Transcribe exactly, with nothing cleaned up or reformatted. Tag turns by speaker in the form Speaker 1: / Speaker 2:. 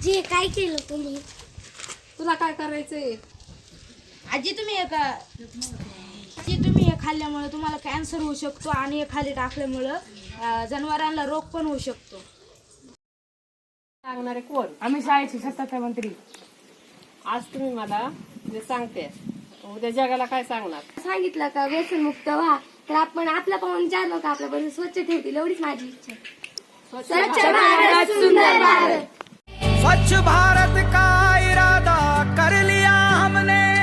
Speaker 1: आजी काय केलं तुम्ही?
Speaker 2: तुला काय करायचंय?
Speaker 3: आजी तुम्ही एका आजी तुम्ही हे खाल्ल्यामुळे तुम्हाला कॅन्सर होऊ शकतो आणि हे खाली टाकल्यामुळं जनावरांना रोग पण होऊ शकतो.
Speaker 2: सांगणारे कोण?
Speaker 4: आम्ही शाळेचे सत्ताचा मंत्री.
Speaker 2: आज तुम्ही मला जे सांगते उद्या जगाला काय सांगणार?
Speaker 1: सांगितलं का व्यसन मुक्त व्हा तर आपण आपला पाहून चार लोक आपल्यापर्यंत स्वच्छ ठेवतील एवढीच माझी इच्छा. स्वच्छ भारत सुंदर भारत.
Speaker 5: स्वच्छ भारत का इरादा कर लिया हमने